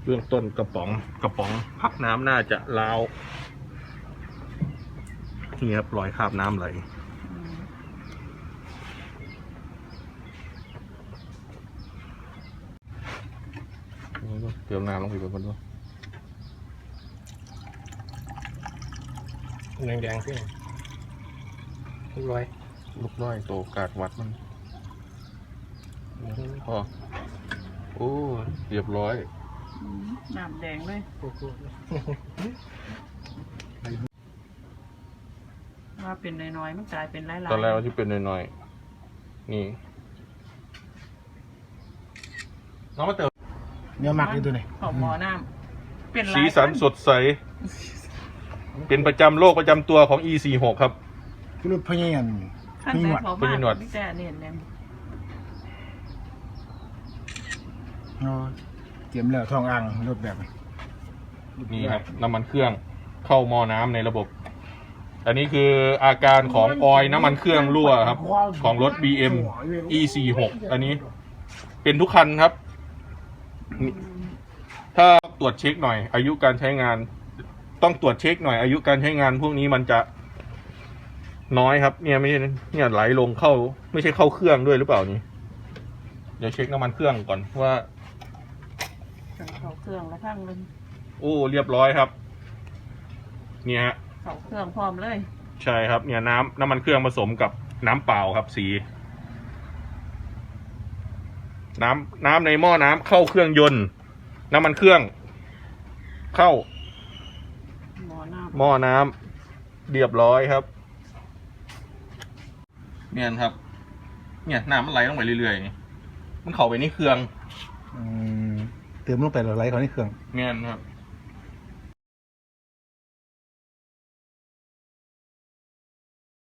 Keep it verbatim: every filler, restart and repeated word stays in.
เบื้องต้นกระป๋องกระป๋องพักน้ำน่าจะร้าวนี่ครับรอยคราบน้ำไหลเติมน้ำลงไปก่อนด้วยแดงๆขึ้นลูกร้อยลูกร้อยโตกาดวัดมันพอโอ้เรียบร้อยน้ำแดงเลยว่าเป็นน้อยๆมันกลายเป็นหลายๆตอนแรกที่เป็นน้อยๆนี่น้องมาเติมเนื้อหมักอยู่ตัวไหนหอมหมอน้ำเป็นสีสันสดใสเป็นประจำโรคประจำตัวของ อี สี่สิบหก ครับคือรถพยายามขั้นใส่ขอบ้านไม่แต่เน้นเน้นเตรียมแล้วทองอ่างรถแบบนี่ครับน้ำมันเครื่องเข้าหม้อน้ำในระบบอันนี้คืออาการของออยล์น้ำมันเครื่องรั่วครับของรถ บี เอ็ม อี สี่สิบหก อันนี้เป็นทุกคันครับถ้าตรวจเช็คหน่อยอายุการใช้งานต้องตรวจเช็คหน่อยอายุการใช้งานพวกนี้มันจะน้อยครับเนี่ยไม่ใช่เนี่ยไหลลงเข้าไม่ใช่เข้าเครื่องด้วยหรือเปล่านี่เดี๋ยวเช็คน้ำมันเครื่องก่อนว่าเข้าเครื่องแล้วข้างนึงโอ้เรียบร้อยครับเนี่ยฮะเข้าเครื่องพร้อมเลยใช่ครับเนี่ยน้ำน้ำมันเครื่องผสมกับน้ำเปล่าครับสีน้ำน้ำในหม้อน้ำเข้าเครื่องยนต์น้ำมันเครื่องเข้าหม้อน้ำหม้อน้ำเรียบร้อยครับเนี่ยครับเนี่ยน้ำมันไหลลงไปเรื่อยๆนี่มันเข้าไปในเครื่องเติมลงไปแล้วไหลเข้าในเครื่องเนี่ยครับ